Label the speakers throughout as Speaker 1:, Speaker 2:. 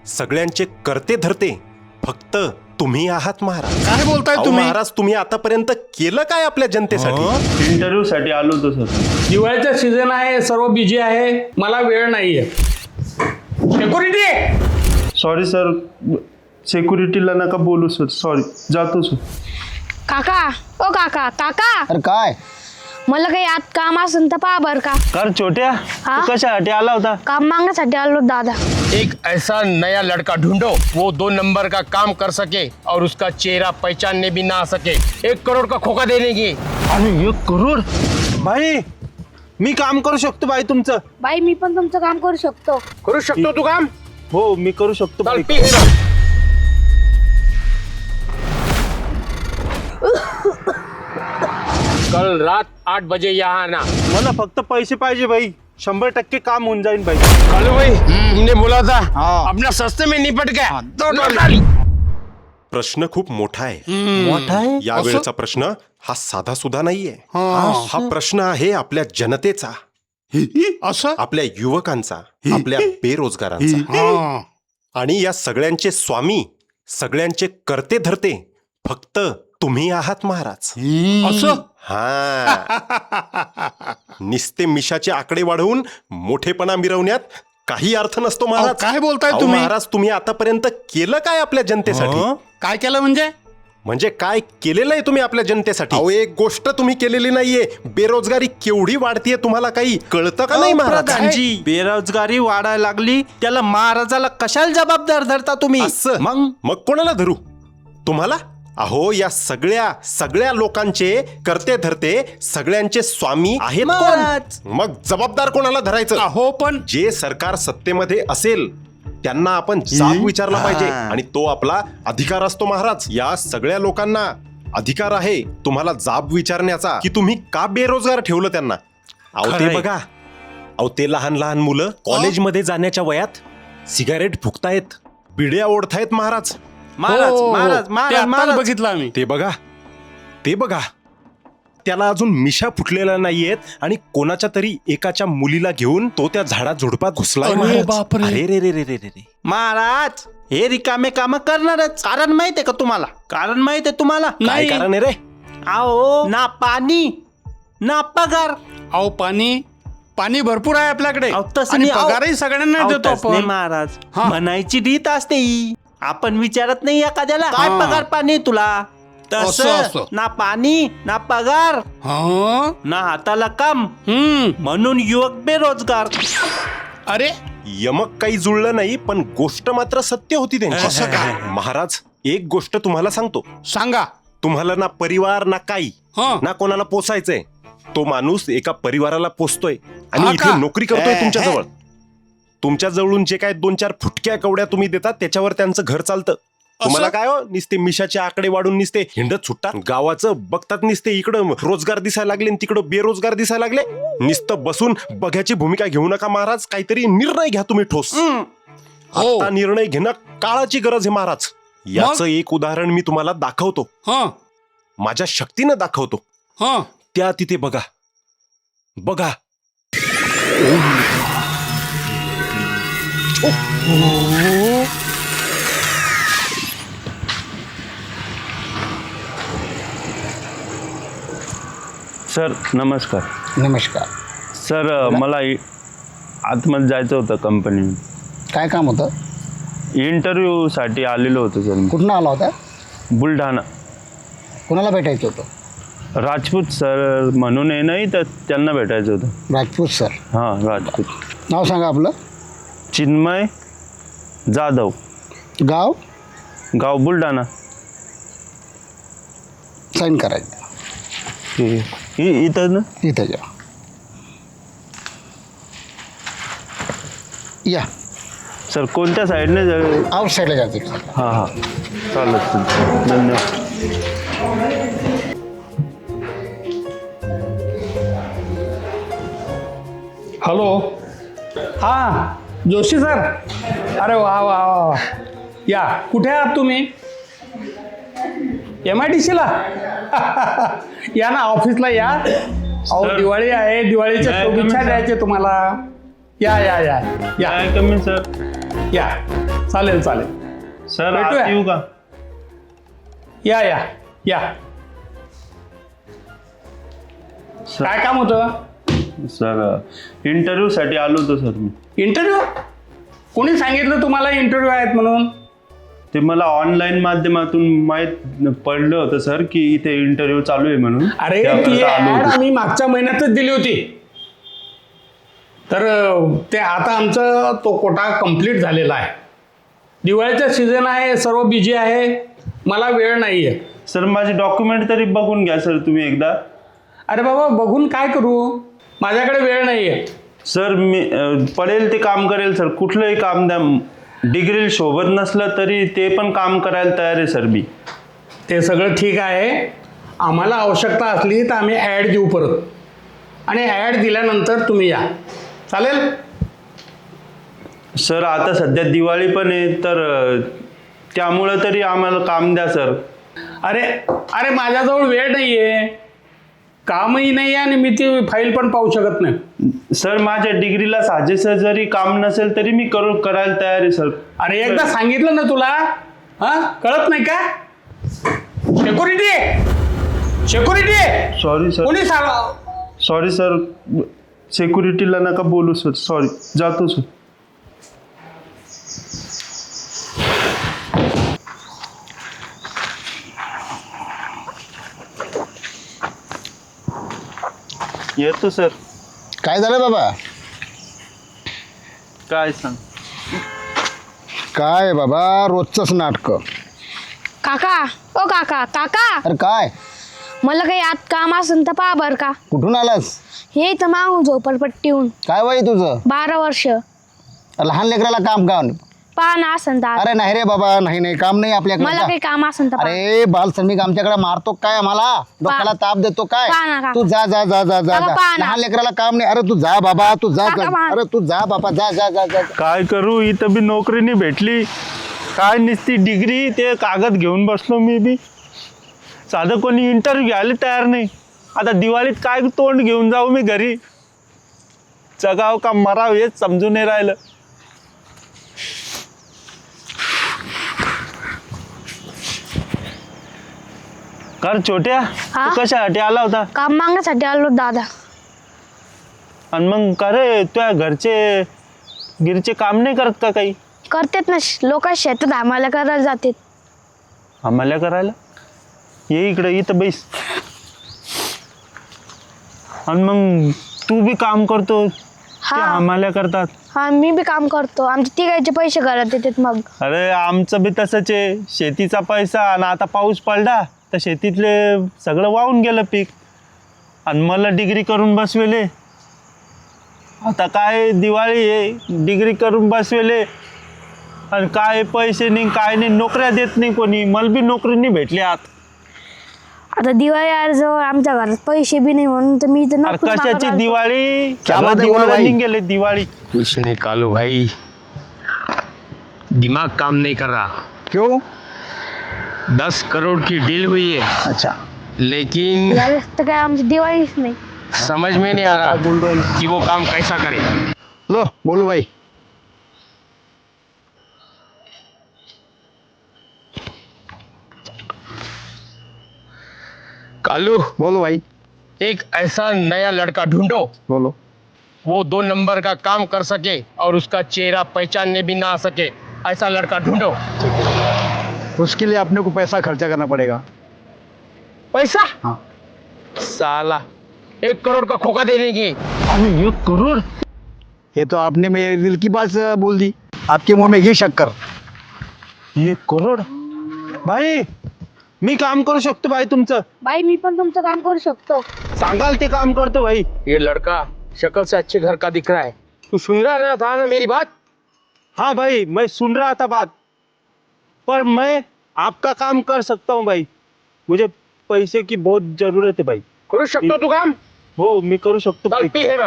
Speaker 1: सगळ्यांचे करते धरते फक्त तुम्ही आहात महाराज.
Speaker 2: काय बोलताय
Speaker 1: अहो
Speaker 2: तुम्ही?
Speaker 1: महाराज, तुम्ही आतापर्यंत केलं काय आपल्या जनतेसाठी?
Speaker 3: इंटरव्ह्यू साठी आलो होतो सर.
Speaker 4: दिवाळीचा सीझन आहे, सर्व बिझी आहे, मला वेळ नाहीये. सिक्युरिटी
Speaker 3: सॉरी सर, सिक्युरिटीला नका बोलू सर, सॉरी, जातो सर.
Speaker 5: काका, ओ काका, काका,
Speaker 2: अरे काय?
Speaker 5: मला काही आत काम असेल तर पहा बर का.
Speaker 3: कर छोट्या,
Speaker 5: हा?
Speaker 3: तू कशासाठी आला होता?
Speaker 5: काम मागण्यासाठी आलो दादा.
Speaker 6: एक ऐसा नया लड़का ढूंढो वो 2 नंबर का काम कर सके और उसका चेहरा पहचानने भी ना आ सके. 1 करोड़ का खोका देने की.
Speaker 3: आणि 1 करोड? भाई मी काम करू शकतो भाई तुमचं.
Speaker 5: बाई मी पण तुमचं काम करू शकतो.
Speaker 6: करू शकतो तू काम?
Speaker 3: हो मी करू शकतो
Speaker 6: चल
Speaker 3: भाई.
Speaker 6: पी हिरो. कल रात 8 बजे यहाँ आना.
Speaker 3: मला फक्त पैसे पाहिजे भाई, 100% काम होऊन जाईल भाई.
Speaker 6: कालू भाई तुमने बोला था अपना सस्ते में निपट गया. तो डाल.
Speaker 1: प्रश्न खूप मोठा आहे.
Speaker 3: मोठा आहे?
Speaker 1: या वेळचा प्रश्न हा साधा सुद्धा नाहीये. हा प्रश्न आहे आपल्या जनतेचा,
Speaker 2: असं?
Speaker 1: आपल्या युवकांचा, आपल्या बेरोजगारांचा. आणि या सगळ्यांचे स्वामी, सगळ्यांचे करते धरते फक्त तुम्ही आहात महाराज.
Speaker 2: असं?
Speaker 1: हा. निस्ते मिशाचे आकडे वाढवून मोठेपणा मिरवण्यात काही अर्थ नसतो महाराज.
Speaker 2: अहो, काय बोलताय
Speaker 1: अहो,
Speaker 2: तुम्ही?
Speaker 1: महाराज, तुम्ही आतापर्यंत केलं काय आपल्या जनतेसाठी?
Speaker 2: काय केलं म्हणजे?
Speaker 1: म्हणजे काय केलेलं आहे तुम्ही आपल्या जनतेसाठी? अहो, एक गोष्ट तुम्ही केलेली नाहीये. बेरोजगारी केवढी वाढतीये तुम्हाला काही कळतं का नाही महाराज?
Speaker 3: प्रधानजी, बेरोजगारी वाढायला लागली, त्याला महाराजाला कशाला जबाबदार धरता तुम्ही?
Speaker 1: असं?
Speaker 3: मग
Speaker 1: कोणाला धरू? तुम्हाला? अहो, या सगळ्या लोकांचे करते धरते, सगळ्यांचे स्वामी आहेत
Speaker 3: महाराज.
Speaker 1: कोण? मग जबाबदार कोणाला धरायचं?
Speaker 2: हो पण
Speaker 1: जे सरकार सत्तेमध्ये असेल त्यांना आपण जाब विचारला पाहिजे, आणि तो आपला अधिकार असतो महाराज. या सगळ्या लोकांना अधिकार आहे तुम्हाला जाब विचारण्याचा की तुम्ही का बेरोजगार ठेवलं त्यांना. अहो ते
Speaker 3: खरंय.
Speaker 1: बघा, अहो ते लहान लहान मुलं कॉलेजमध्ये जाण्याच्या वयात सिगारेट फुकतायत, बिड्या ओढतायत महाराज.
Speaker 3: महाराज
Speaker 2: हो,
Speaker 3: महाराज
Speaker 2: ते
Speaker 3: महाराज
Speaker 2: आत्ताच
Speaker 3: महाराज.
Speaker 2: बघितलं आम्ही.
Speaker 1: ते बघा, त्याला अजून मिशा फुटलेल्या नाहीयेत आणि कोणाच्या तरी एकाच्या मुलीला घेऊन तो त्या झाडात झुडपात घुसलाय
Speaker 2: अरे
Speaker 1: महाराज.
Speaker 2: बापरे.
Speaker 1: अरे रे रे रे रे रे.
Speaker 3: महाराज हे रिकामे काम करणारच. कारण माहितीये का तुम्हाला? कारण माहितीये तुम्हाला?
Speaker 1: काय
Speaker 2: नाही.
Speaker 1: कारण आहे रे?
Speaker 3: आओ ना पाणी ना पगार.
Speaker 2: अहो पाणी भरपूर आहे आपल्याकडे.
Speaker 3: अहो, तसं
Speaker 2: आणि
Speaker 3: नाही. अहो,
Speaker 2: पगारही सगळ्यांना
Speaker 3: अहो,
Speaker 2: देतो
Speaker 3: तसं नाही
Speaker 2: आपण.
Speaker 3: महाराज.
Speaker 2: हा.
Speaker 3: म्हणायची रीत असते ही. आपण विचारत नाही एखाद्याला काय
Speaker 2: हा.
Speaker 3: पगार पाणी तुला.
Speaker 2: असं.
Speaker 3: तसं ना पाणी ना पगार
Speaker 2: हा?
Speaker 3: ना हाताला काम, म्हणून युवक बेरोजगार.
Speaker 2: अरे
Speaker 1: यमक काही जुळलं नाही, पण गोष्ट मात्र सत्य होती त्यांची.
Speaker 2: असं काय?
Speaker 1: महाराज, एक गोष्ट तुम्हाला सांगतो.
Speaker 2: सांगा.
Speaker 1: तुम्हाला ना परिवार ना काही,
Speaker 2: हा.
Speaker 1: ना कोणाला पोसायचंय. तो माणूस एका परिवाराला पोसतोय आणि
Speaker 2: हा
Speaker 1: इथे
Speaker 2: का?
Speaker 1: नोकरी करतोय तुमच्या जवळ. तुमच्या जवळून जे काय 2-4 फुटक्या कवड्या तुम्ही देतात त्याच्यावर त्यांचं घर चालतं. तुम्हाला काय हो, निसते मिशाचे आकडे वाढून निसते हिंडत सुटतात. गावाचं बघतात, निसते इकडं रोजगार दिसायला लागले आणि तिकडं बेरोजगार दिसायला लागले. नुसतं बसून बघ्याची भूमिका घेऊ नका महाराज. काहीतरी निर्णय घ्या तुम्ही ठोस.
Speaker 2: हो.
Speaker 1: आता निर्णय घेणं काळाची गरज आहे महाराज. याचं एक उदाहरण मी तुम्हाला दाखवतो,
Speaker 2: हा
Speaker 1: माझ्या शक्तीनं दाखवतो.
Speaker 2: हा.
Speaker 1: त्या तिथे बघा बघा.
Speaker 3: सर नमस्कार.
Speaker 7: नमस्कार.
Speaker 3: सर मला आतमध्ये जायचं होतं कंपनी.
Speaker 7: काय काम होतं?
Speaker 3: इंटरव्ह्यू साठी आलेलो होतो सर मी.
Speaker 7: कुठनं आला होता?
Speaker 3: बुलढाणा.
Speaker 7: कुणाला भेटायचं होतं?
Speaker 3: राजपूत सर म्हणून आहे, नाही तर त्यांना भेटायचं होतं.
Speaker 7: राजपूत सर.
Speaker 3: हां राजपूत.
Speaker 7: नाव सांगा आपलं.
Speaker 3: चिन्मय जाधव.
Speaker 7: गाव?
Speaker 3: गाव बुलढाणा.
Speaker 7: साईन करायचं.
Speaker 3: इथं ना.
Speaker 7: इथं जा. या.
Speaker 3: सर कोणत्या साईडने जाऊ?
Speaker 7: आउट साईडला जाते.
Speaker 3: हां हां चालेल सर, धन्यवाद.
Speaker 4: हॅलो. हा जोशी सर. अरे वा वा वा. या कुठे आहात तुम्ही? MIDCला या ना, ऑफिसला या. अहो दिवाळी आहे, दिवाळीच्या शुभेच्छा द्यायचे तुम्हाला. या या या या.
Speaker 3: काय कमी सर?
Speaker 4: या चालेल चालेल.
Speaker 3: सर
Speaker 4: भेटूया.
Speaker 3: आत येऊ का?
Speaker 4: या या या. काय काम होतं?
Speaker 3: सर इंटरव्ह्यू साठी आलो होतो सर मी.
Speaker 4: इंटरव्ह्यू? कोणी सांगितलं तुम्हाला इंटरव्ह्यू आहेत म्हणून?
Speaker 3: ते मला ऑनलाईन माध्यमातून माहीत पडलं होतं सर की इथे इंटरव्ह्यू चालू आहे म्हणून.
Speaker 4: अरे
Speaker 3: त्याकरता
Speaker 4: ती
Speaker 3: आलो
Speaker 4: ऍड
Speaker 3: होतो.
Speaker 4: आम्ही मागच्या महिन्यातच दिली होती. तर ते आता आमचा तो कोटा कंप्लीट झालेला आहे. दिवाळीचा सीझन आहे, सर्व बिझी आहे, मला वेळ नाही आहे.
Speaker 3: सर माझे डॉक्युमेंट तरी बघून घ्या सर तुम्ही एकदा.
Speaker 4: अरे बाबा बघून काय करू, माझ्याकडे वेळ नाही आहे.
Speaker 3: सर मी पडेल ते काम करेल सर, कुठलंही काम द्या. डिग्री सोबत नसलं तरी ते पण काम करायला तयार आहे सर मी.
Speaker 4: ते सगळं ठीक आहे. आम्हाला आवश्यकता असली तर आम्ही ॲड देऊ परत, आणि ॲड दिल्यानंतर तुम्ही या. चालेल?
Speaker 3: सर आता सध्या दिवाळी पण आहे तर त्यामुळं तरी आम्हाला काम द्या सर.
Speaker 4: अरे अरे माझ्याजवळ वेळ नाही आहे, कामही नाही आहे, आणि मी ती फाईल पण पाहू शकत नाही.
Speaker 3: सर माझ्या डिग्रीला साजेसं जरी काम नसेल तरी मी करायला तयार आहे सर.
Speaker 4: अरे एकदा सांगितलं ना तुला, हा कळत नाही का? सेक्युरिटी सेक्युरिटी
Speaker 3: सॉरी सर,
Speaker 4: कोणी सांग.
Speaker 3: सॉरी सर, सिक्युरिटीला नका बोलू सर, सॉरी, जातो सर. येतो सर.
Speaker 7: काय झालं बाबा?
Speaker 3: काय सांग.
Speaker 7: काय बाबा रोजचंच नाटकं.
Speaker 5: काका ओ काका काका,
Speaker 7: अरे काय?
Speaker 5: मला काही आत काम असेल तर पहा बरं का.
Speaker 7: कुठून आलास?
Speaker 5: हे इथं मागून झोपडपट्टीहून.
Speaker 7: काय वय तुझं?
Speaker 5: 12 वर्ष.
Speaker 7: लहान लेकराला काम का?
Speaker 5: पहा ना असेल तर आत.
Speaker 7: अरे नाही रे बाबा, नाही नाही, काम नाही आपल्याकडे.
Speaker 5: मला काही काम असेल तर पहा.
Speaker 7: अरे बाल श्रमिक आमच्याकडे मारतो काय आम्हाला? डोक्याला ताप देतो काय?
Speaker 5: पहा ना, काका.
Speaker 7: तू जा जा जा जा जा
Speaker 5: काका,
Speaker 7: जा.
Speaker 5: पहा ना.
Speaker 7: लहान लेकराला काम नाही. अरे तू जा बाबा, तू जा
Speaker 5: काका,
Speaker 7: जा.
Speaker 5: पहा.
Speaker 7: अरे तू जा बाबा, जा जा जा जा.
Speaker 3: काय करू, इथं बी नोकरी नाही भेटली. काय नुसती डिग्री, ते कागद घेऊन बसलो मी बी. साधं कोणी इंटरव्ह्यू घ्यायला तयार नाही. आता दिवाळीत काय तोंड घेऊन जाऊ मी घरी? जगाव का मराव हेच समजून नाही राहिलं. कर छोट्या,
Speaker 5: हा?
Speaker 3: तू कशासाठी आला होता?
Speaker 5: काम मागण्यासाठी आलो दादा.
Speaker 3: आणि मग का रे तुझ्या घरचे गिरचे काम नाही करत का काही?
Speaker 5: करतेत ना, लोक शेतात आम्हाला करायला जातात.
Speaker 3: आम्हाला करायला ये इकडे, इथं बैस. आणि मग तू बी काम करतो, ते
Speaker 5: हा
Speaker 3: आम्हाला करतात.
Speaker 5: हा मी बी काम करतो. आमचे तिघांचे पैसे घरात येतात. मग
Speaker 3: अरे आमचं बी तसंच आहे. शेतीचा पैसा, आणि आता पाऊस पडला तर शेतीतले सगळं वाहून गेलं पीक. आणि मला डिग्री करून बसवेले. आता काय दिवाळी आहे, डिग्री करून बसवेले, आणि काय पैसे नाही, काय नाही, नोकऱ्या देत नाही कोणी. मला बी नोकरी नाही भेटली.
Speaker 5: आता दिवाळी जवळ आमच्या घरात पैसे बी नाही, म्हणून तर मी इथं
Speaker 3: अरे
Speaker 5: नोकरी
Speaker 3: कशाची
Speaker 5: मागायला आलो.
Speaker 3: दिवाळी?
Speaker 7: क्या
Speaker 3: सगळं
Speaker 7: बात है, बोलो
Speaker 3: दिवाळी
Speaker 7: भाई.
Speaker 3: गेले दिवाळी.
Speaker 6: कुछ नहीं कालू भाई, दिमाग काम नहीं कर रहा.
Speaker 7: क्यों?
Speaker 6: 10 करोड़ की डील हुई है,
Speaker 7: अच्छा.
Speaker 6: लेकिन
Speaker 5: यावेळेस तर काय आमची दिवाळीच नाही.
Speaker 6: समझ में नहीं आ रहा कि वो काम कैसा करे.
Speaker 7: लो बोलू भाई.
Speaker 6: कालू,
Speaker 7: बोलो भाई.
Speaker 6: एक ऐसा नया लड़का ढूंढो
Speaker 7: बोलो.
Speaker 6: वो 2 नंबर का काम कर सके और उसका चेहरा पहचानने भी ना आ सके. ऐसा लड़का ढूंढो.
Speaker 7: उसके लिए अपने को पैसा खर्चा करना पड़ेगा.
Speaker 6: पैसा?
Speaker 7: हाँ.
Speaker 6: साला 1 करोड़ का खोखा देने की. 1 करोड़?
Speaker 7: ये तो आपने मेरे दिल की बात बोल दी. आपके मुंह में ये शक्कर.
Speaker 3: 1 करोड? भाई मी काम करू शकतो भाई तुमचं.
Speaker 5: बाई मी पण तुमचं काम करू शकतो.
Speaker 3: सांगाल ते काम करतो भाई.
Speaker 6: ये लड़का शक्ल से अच्छे घर का दिख रहा है. तू सुन रहा था ना मेरी बात?
Speaker 3: हाँ भाई, मैं सुन रहा था बात, पर मैं आपका काम कर सकता हूँ भाई. मुझे पैसे की बहुत जरूरत है भाई.
Speaker 6: करू शकतो तू काम?
Speaker 3: हो मी करू शकतो
Speaker 6: चल
Speaker 3: भाई.
Speaker 6: पी है मग.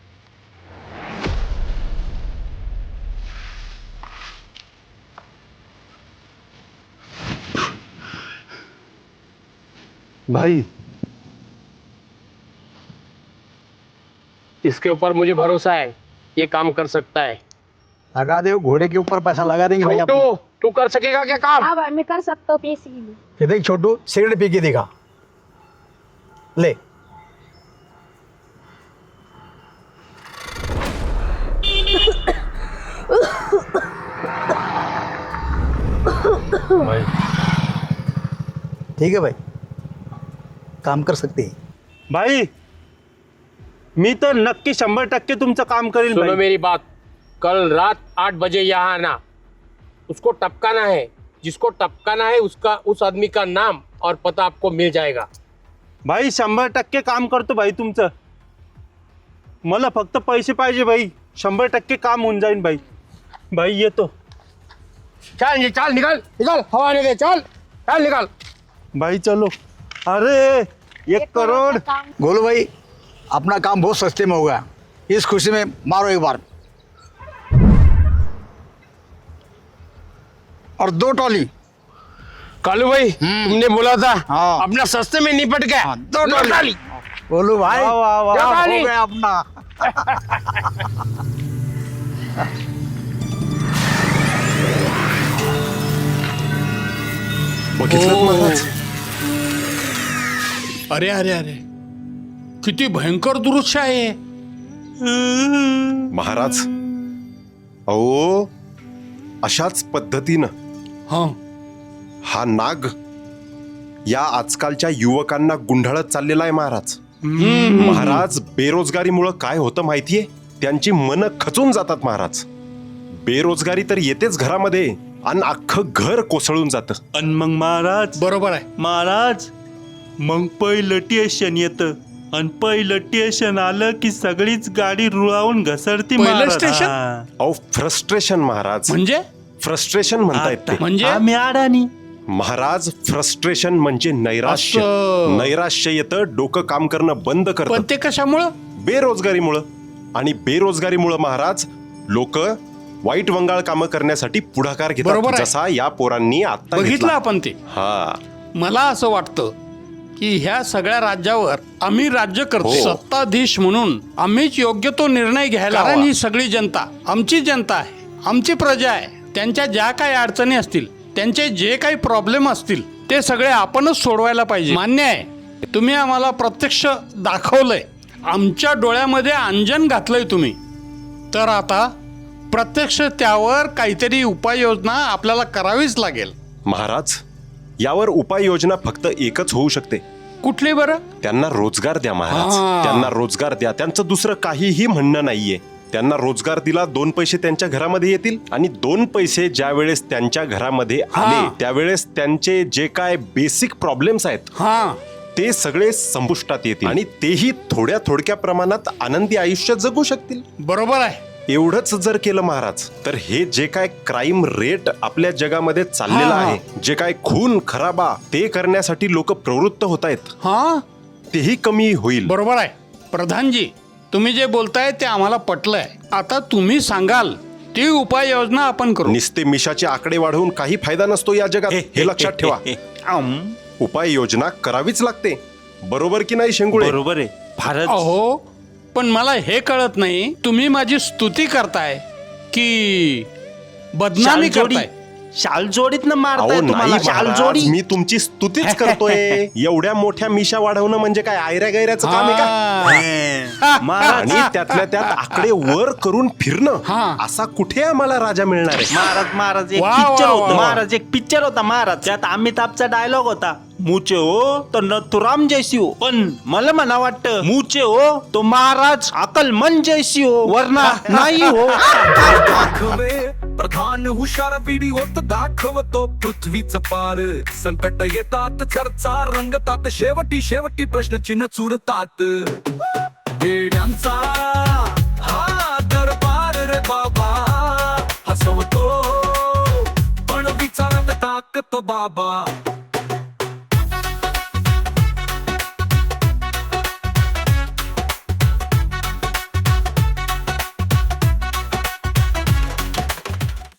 Speaker 3: भाई
Speaker 6: इसके ऊपर मुझे भरोसा है, ये काम कर सकता है.
Speaker 7: लगा दे घोड़े के ऊपर पैसा लगा देंगे भाई आप।
Speaker 6: छोटू तू कर सकेगा क्या काम?
Speaker 5: हाँ भाई मैं कर सकता हूँ पैसे के लिए।
Speaker 7: ये देख छोटू सिगरेट पी के दिखा ले। ठीक है भाई काम कर सकते हैं।
Speaker 3: भाई मी तर नक्की 100% तुमचं काम करेल
Speaker 6: सुनो
Speaker 3: भाई।
Speaker 6: मेरी बात, कल रात 8 बजे यहाँ आना। उसको टपकाना है, जिसको टपकाना है उसका उस आदमी का नाम और पता आपको मिल जाएगा।
Speaker 3: भाई 100% काम करतो भाई तुमचं। मला फक्त पैसे पाहिजे भाई, 100% काम होऊन जाईल भाई। भाई येतो
Speaker 6: चल चल निकल निकल, हवा आने दे, चल चल निकल।
Speaker 3: भाई चलो। अरे 1 करोड़।
Speaker 7: गोलू भाई अपना काम बहुत सस्ते में होगा, इस खुशी में मारो एक बार। और 2 टॉली।
Speaker 6: कालू भाई तुमने बोला था
Speaker 7: हाँ।
Speaker 6: अपना सस्ते में निपट गया।
Speaker 7: हाँ, 2 टॉली। गोलू भाई
Speaker 3: वाह, वाह, वाह।
Speaker 6: क्या
Speaker 7: हो
Speaker 6: टॉली?
Speaker 7: गया अपना।
Speaker 1: बघितलं महाराज?
Speaker 2: अरे अरे अरे किती भयंकर दृश्य आहे.
Speaker 1: महाराज अहो अशाच पद्धतीनं
Speaker 2: हा
Speaker 1: हा नाग या आजकालच्या युवकांना गुंढाळत चाललेला आहे महाराज. महाराज बेरोजगारीमुळं काय होतं माहितीये, त्यांची मनं खचून जातात महाराज. बेरोजगारी तर येतेच घरामध्ये आणि अख्खं घर कोसळून जातं.
Speaker 3: आणि मग महाराज
Speaker 2: बरोबर आहे.
Speaker 3: महाराज मग पहिलं टेशन येतं आणि पहिलं टेशन आलं की सगळीच गाडी रुळावून घसरती
Speaker 2: पहिलं
Speaker 3: महाराज.
Speaker 2: स्टेशन?
Speaker 3: हा.
Speaker 1: अहो फ्रस्ट्रेशन महाराज,
Speaker 2: म्हणजे
Speaker 1: फ्रस्ट्रेशन म्हणतायत ते.
Speaker 2: म्हणजे
Speaker 3: आम्ही अडाणी.
Speaker 1: महाराज फ्रस्ट्रेशन म्हणजे नैराश्य.
Speaker 2: असं.
Speaker 1: नैराश्य येतं, डोकं काम करणं बंद
Speaker 2: पण
Speaker 1: करतं
Speaker 2: ते कशामुळं?
Speaker 1: बेरोजगारीमुळं. आणि बेरोजगारीमुळं महाराज लोक वाईट वंगाळ कामं करण्यासाठी पुढाकार
Speaker 2: बरोबर
Speaker 1: घेतात,
Speaker 2: आहे.
Speaker 1: जसा या पोरांनी आता
Speaker 2: बघितलं
Speaker 1: घेतला.
Speaker 2: आपण ते.
Speaker 1: हा
Speaker 2: मला असं वाटतं की ह्या सगळ्या राज्यावर आम्ही राज्य करतो.
Speaker 1: हो.
Speaker 2: सत्ताधीश म्हणून आम्हीच योग्य तो निर्णय घ्यायला. कारण ही सगळी जनता आमची जनता आहे, आमची प्रजा आहे. त्यांच्या ज्या काही अडचणी असतील, त्यांचे जे काही प्रॉब्लेम असतील, ते सगळे आपणच सोडवायला पाहिजे. मान्य आहे, तुम्ही आम्हाला प्रत्यक्ष दाखवलंय, आमच्या डोळ्यामध्ये अंजन घातलंय तुम्ही. तर आता प्रत्यक्ष त्यावर काहीतरी उपाययोजना आपल्याला करावीच लागेल.
Speaker 1: महाराज यावर उपाययोजना फक्त एकच होऊ शकते.
Speaker 2: कुठली बरं?
Speaker 1: त्यांना रोजगार द्या महाराज.
Speaker 2: हा.
Speaker 1: त्यांना रोजगार द्या. त्यांचं दुसरं काहीही म्हणणं नाहीये. त्यांना रोजगार दिला, 2 पैसे त्यांच्या घरामध्ये येतील आणि 2 पैसे ज्या वेळेस त्यांच्या घरामध्ये आले
Speaker 2: हा.
Speaker 1: त्यावेळेस त्यांचे जे काय बेसिक प्रॉब्लेम्स आहेत
Speaker 2: हा
Speaker 1: ते सगळे संपुष्टात येतील आणि तेही थोड्या प्रमाणात आनंदी आयुष्य जगू शकतील.
Speaker 2: बरोबर आहे.
Speaker 1: एवढंच जर केलं महाराज तर हे जे काय क्राईम रेट आपल्या जगामध्ये चाललेला
Speaker 2: हा.
Speaker 1: आहे, जे काय खून खराबा ते करण्यासाठी लोक प्रवृत्त होत आहेत,
Speaker 2: हा
Speaker 1: तेही कमी होईल.
Speaker 2: बरोबर आहे. प्रधानजी तुम्ही जे बोलताय ते आम्हाला पटलंय. आता तुम्ही सांगाल ती उपाययोजना आपण करू.
Speaker 1: निस्ते मिशाचे आकडे वाढवून काही फायदा नसतो या जगात, हे लक्षात ठेवा. उपाययोजना करावीच लागते. बरोबर की नाही शेंगुळे?
Speaker 3: बरोबर आहे. फारच
Speaker 2: अहो पण मला हे कळत नाही, तुम्ही माझी स्तुती करताय की बदनामी
Speaker 3: शालजोडी.
Speaker 2: करताय?
Speaker 3: शालजोडीत न मारताय
Speaker 1: अहो नाही
Speaker 3: तुम्हाला.
Speaker 1: महाराज,
Speaker 3: शालजोडी.
Speaker 1: मी तुमची स्तुतीच करतोय. एवढ्या मोठ्या मिशा वाढवणं म्हणजे काय आयऱ्या गैऱ्याचं काम आहे का?
Speaker 2: हा.
Speaker 3: महाराज
Speaker 1: आणि त्यातल्या त्यात आकडे वर करून फिरणं,
Speaker 2: हा.
Speaker 1: असा कुठे आम्हाला राजा मिळणार आहे?
Speaker 3: महाराज एक
Speaker 2: वा,
Speaker 3: पिक्चर
Speaker 2: वा,
Speaker 3: होता.
Speaker 2: वा.
Speaker 3: महाराज एक पिक्चर होता महाराज. त्यात अमिताभचा डायलॉग होता, मुचे हो तो नथुराम जैसी हो. पण मला म्हणा वाटतं मुचे हो तो महाराज अकलमंद जैसी हो, वरना नाही हो.
Speaker 8: दाखवे प्रधान हुशार व्हिडिओत दाखवतो पृथ्वीचं पार. संकट येतात, चर्चा रंगतात, शेवटी प्रश्नचिन्ह चुरतात. येड्यांचा हा दरबार रे बाबा, हसवतो पण विचारात टाकतो बाबा.